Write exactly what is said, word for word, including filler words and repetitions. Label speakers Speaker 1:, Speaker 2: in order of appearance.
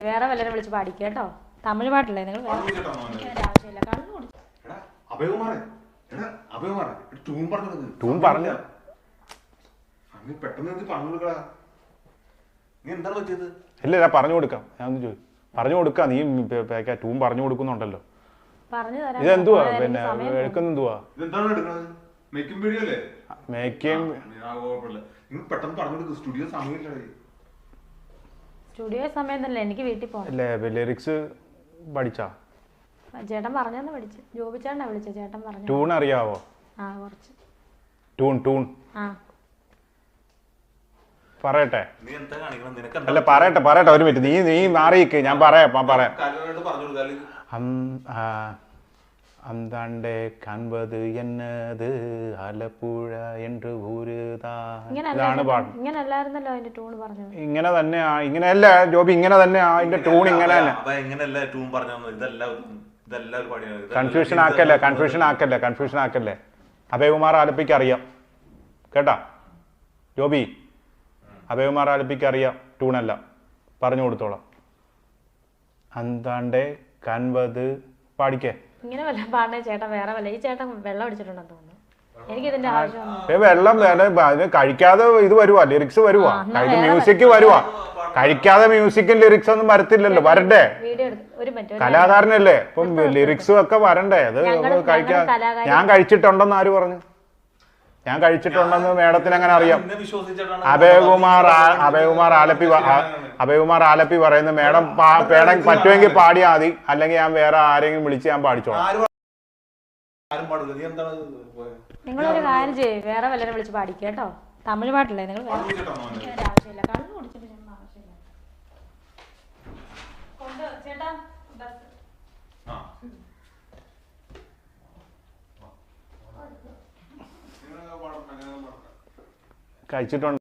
Speaker 1: വേറെ വല്ലവരെ വിളിച്ച് പാടിക്കുക കേട്ടോ. തമിഴ് പാട്ടല്ലേ നിങ്ങൾ? ആവശ്യമില്ല. കണ്ണു കൊടുത്തു
Speaker 2: ഇല്ല പറഞ്ഞു കൊടുക്കാം. ഞാൻ ഒന്ന് ചോദിച്ചു പറഞ്ഞു കൊടുക്കാം. നീ ടൂം പറഞ്ഞു കൊടുക്കുന്നുണ്ടല്ലോ. ഇതെന്തുവാ പിന്നെ എടുക്കുന്നെന്തുവാ?
Speaker 1: സ്റ്റുഡിയോ സമയം തന്നെ എനിക്ക് വീട്ടിൽ പോകണം.
Speaker 2: ലിറിക്സ് പഠിച്ചാ?
Speaker 1: ചേട്ടൻ പറഞ്ഞെന്ന് പഠിച്ചു. ജോബി ചേട്ടനാ വിളിച്ച. ചേട്ടൻ പറഞ്ഞു.
Speaker 2: ട്യൂൺ അറിയാവോ?
Speaker 1: ആ കുറച്ച്.
Speaker 2: ട്യൂൺ ട്യൂൺ
Speaker 1: ആ
Speaker 2: പറയട്ടെ. അല്ല പറയട്ടെ പറയട്ടെ ഒരു മിനിറ്റ്. നീ നീ മാറിയിക്ക്. ഞാൻ പറയാം പറയാം. അന്താണ്ടേ കൺപത് എന്നത് ആലപ്പുഴ என்று ഊരുതാണ് പാട്ട്.
Speaker 1: ഇങ്ങനല്ലായിരുന്നല്ലോ അതിന്റെ ട്യൂൺ പറഞ്ഞത്.
Speaker 2: ഇങ്ങനെ തന്നെയാ. ഇങ്ങനെയല്ല ജോബി, ഇങ്ങനെ തന്നെയാ അതിന്റെ ട്യൂൺ. ഇങ്ങനെ തന്നെ. കൺഫ്യൂഷൻ ആക്കല്ലേ കൺഫ്യൂഷൻ ആക്കല്ലേ കൺഫ്യൂഷൻ ആക്കല്ലേ അഭയകുമാർ ആലപ്പിക്ക് അറിയാം കേട്ടാ ജോബി. അഭയകുമാർ ആലപ്പിക്ക് അറിയാം. ട്യൂണല്ല, പറഞ്ഞു കൊടുത്തോളാം. അന്താണ്ടേ കൺപത് പാടിക്കേ.
Speaker 1: ഇങ്ങനെ വല്ല പാടണേ ചേട്ടൻ വേറെ വല്ല. ഈ ചേട്ടൻ വെള്ളം അടിച്ചിട്ടുണ്ടെന്ന് തോന്നുന്നു. എനിക്ക് ഇതിന്റെ ആവശ്യം.
Speaker 2: വെള്ളം അതിന് കഴിക്കാതെ ഇത് വരുവാ, ലിറിക്സ് വരുവാ, മ്യൂസിക് വരുവാ. കഴിക്കാതെ മ്യൂസിക്കും ലിറിക്സ് ഒന്നും വരത്തില്ലല്ലോ. വരണ്ടേ? കലാകാരനല്ലേ, ഇപ്പം ലിറിക്സും ഒക്കെ വരണ്ടേ? അത് കഴിക്കാ. ഞാൻ കഴിച്ചിട്ടുണ്ടെന്ന് ആര് പറഞ്ഞു? ഞാൻ കഴിച്ചിട്ടുണ്ടെന്ന് മേഡത്തിന് എങ്ങനെ അറിയാം? അഭയകുമാർ അഭയകുമാർ ആലപ്പി അഭയകുമാർ ആലപ്പി പറയുന്നത് മേഡം പേടം പറ്റുമെങ്കിൽ പാടിയാൽ മതി, അല്ലെങ്കിൽ ഞാൻ വേറെ ആരെങ്കിലും വിളിച്ച് ഞാൻ പാടിച്ചോളാം.
Speaker 1: നിങ്ങളൊരു കാര്യം ചെയ്യ്, വേറെ വല്ലവരെ വിളിച്ച് പാടിക്കുക കേട്ടോ. തമിഴ് പാട്ടല്ലേ നിങ്ങൾ? ആവശ്യമില്ല. കണ്ണു കുടിച്ചിട്ട് ആവശ്യമില്ല. കൊണ്ട് ചേട്ടാ
Speaker 2: കഴിച്ചിട്ടുണ്ട്.